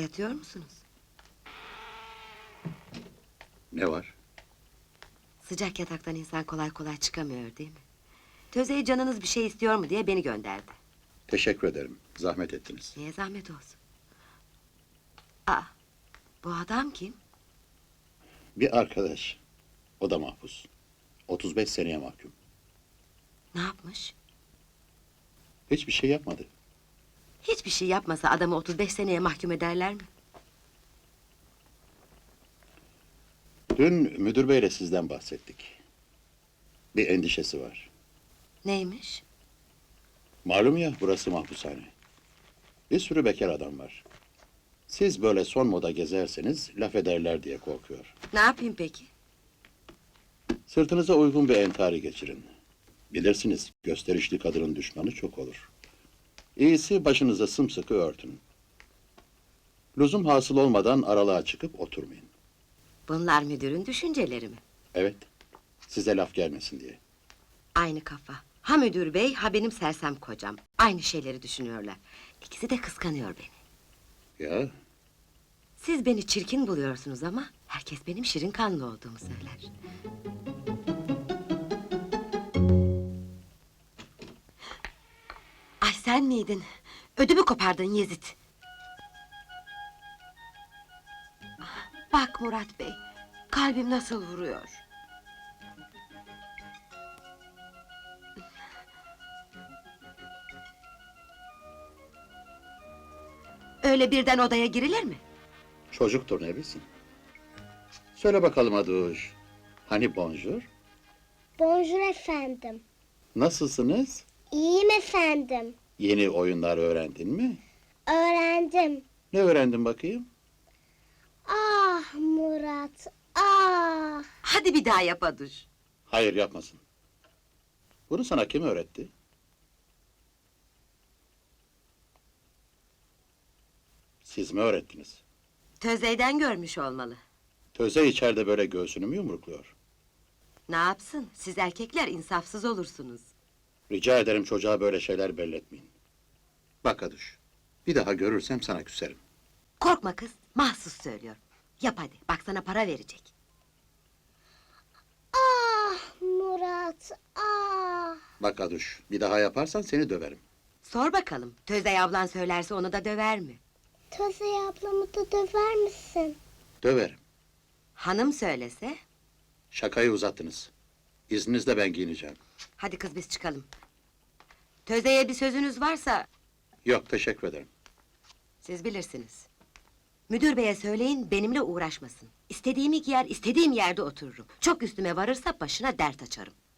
Yatıyor musunuz? Ne var? Sıcak yataktan insan kolay kolay çıkamıyor değil mi? Töze'ye canınız bir şey istiyor mu diye beni gönderdi. Teşekkür ederim. Zahmet ettiniz. Niye zahmet olsun? Aa, bu adam kim? Bir arkadaş. O da mahpus. 35 seneye mahkum. Ne yapmış? Hiçbir şey yapmadı. Hiçbir şey yapmasa adamı 35 seneye mahkum ederler mi? Dün müdür beyle sizden bahsettik. Bir endişesi var. Neymiş? Malum ya, burası mahpushane. Bir sürü bekar adam var. Siz böyle son moda gezerseniz laf ederler diye korkuyor. Ne yapayım peki? Sırtınıza uygun bir entari geçirin. Bilirsiniz, gösterişli kadının düşmanı çok olur. İyisi başınıza sımsıkı örtün. Lüzum hasıl olmadan aralığa çıkıp oturmayın. Bunlar müdürün düşünceleri mi? Evet, size laf gelmesin diye. Aynı kafa. Ha müdür bey, ha benim sersem kocam. Aynı şeyleri düşünüyorlar. İkisi de kıskanıyor beni. Ya, Siz beni çirkin buluyorsunuz ama herkes benim şirin kanlı olduğumu söyler. Ay sen miydin? Ödümü kopardın Yezid. Bak Murat bey, kalbim nasıl vuruyor. Öyle birden odaya girilir mi? çocuktur ne bilsin. Söyle bakalım Aduş. Hani bonjour? Bonjour efendim. Nasılsınız? İyiyim efendim. Yeni oyunlar öğrendin mi? Öğrendim. Ne öğrendin bakayım? Ah Murat, ah! Hadi bir daha yap Aduş. Hayır, yapmasın. Bunu sana kim öğretti? Siz mi öğrettiniz? Tözey'den görmüş olmalı. Töze içeride böyle göğsünü mü yumrukluyor? Ne yapsın? Siz erkekler insafsız olursunuz. Rica ederim çocuğa böyle şeyler belletmeyin. Bak Aduş, bir daha görürsem sana küserim. Korkma kız, mahsus söylüyor. Yap hadi, bak sana para verecek. Ah Murat, ah! Bak Aduş, bir daha yaparsan seni döverim. Sor bakalım, Tözey ablan söylerse onu da döver mi? Tözey ablamı da döver misin? Döverim. Hanım söylese? Şakayı uzattınız. İzninizle ben giyineceğim. Hadi kız biz çıkalım. Tözey'e bir sözünüz varsa Yok, teşekkür ederim. siz bilirsiniz. Müdür beye söyleyin benimle uğraşmasın. İstediğimi giyer, istediğim yerde otururum. Çok üstüme varırsa başına dert açarım.